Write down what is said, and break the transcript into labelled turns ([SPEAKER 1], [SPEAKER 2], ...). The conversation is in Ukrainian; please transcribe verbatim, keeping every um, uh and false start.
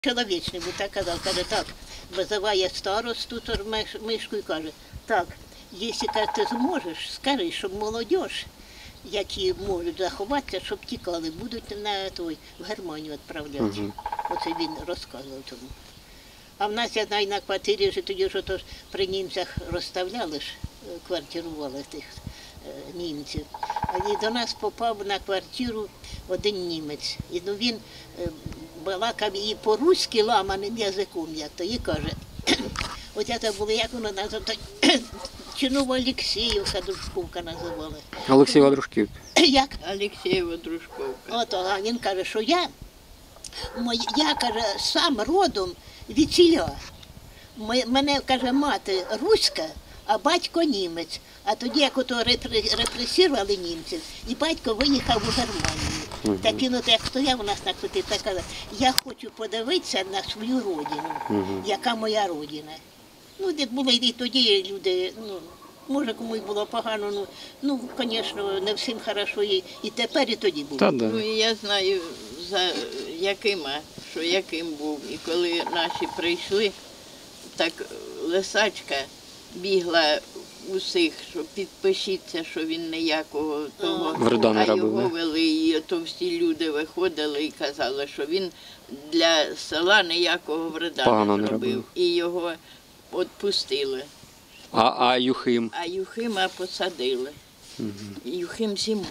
[SPEAKER 1] Чоловічний, бо так казав, каже, так, визиває старосту Тормишку і каже, так, якщо ти зможеш, скажи, щоб молодь, які можуть заховатися, щоб тікали, будуть на той, в Германію відправляти. Угу. Оце він розказував тому. А в нас, я знаю, на квартирі вже тоді ж отож при німцях розставляли ж, квартирували тих е, німців. І до нас попав на квартиру один німець. І ну, він е, балакав і по-руськи ламаним язиком, як то, і каже, от це було, як воно називали, Чинова Олексіївка, Дружковка називали.
[SPEAKER 2] Олексієва Дружківка.
[SPEAKER 1] Як?
[SPEAKER 3] Олексієва Дружковка.
[SPEAKER 1] От, а він каже, що я, я, каже, сам родом від селя. Мене, каже, мати руська, а батько німець. А тоді, як ото репресували німців, і батько виїхав у Германію. Угу. Так він, от, як стояв у нас на квартирі, так казав, я хочу подивитися на свою родину, угу. Яка моя родина. Ну, де були і тоді люди, ну, може комусь було погано, ну, ну, звісно, не всім хорошо, і, і тепер, і тоді було.
[SPEAKER 2] Та, да.
[SPEAKER 3] Ну, і я знаю, за якима, що яким був. І коли наші прийшли, так лисачка бігла усіх, що підпишіться, що він ніякого того,
[SPEAKER 2] вреда не
[SPEAKER 3] а
[SPEAKER 2] робив,
[SPEAKER 3] його
[SPEAKER 2] не?
[SPEAKER 3] вели, і то всі люди виходили і казали, що він для села ніякого вреда
[SPEAKER 2] Погано
[SPEAKER 3] не
[SPEAKER 2] не
[SPEAKER 3] робив.
[SPEAKER 2] робив.
[SPEAKER 3] І його відпустили.
[SPEAKER 2] А, а Юхим?
[SPEAKER 3] А Юхима посадили.
[SPEAKER 2] Угу.
[SPEAKER 3] Юхим зимою.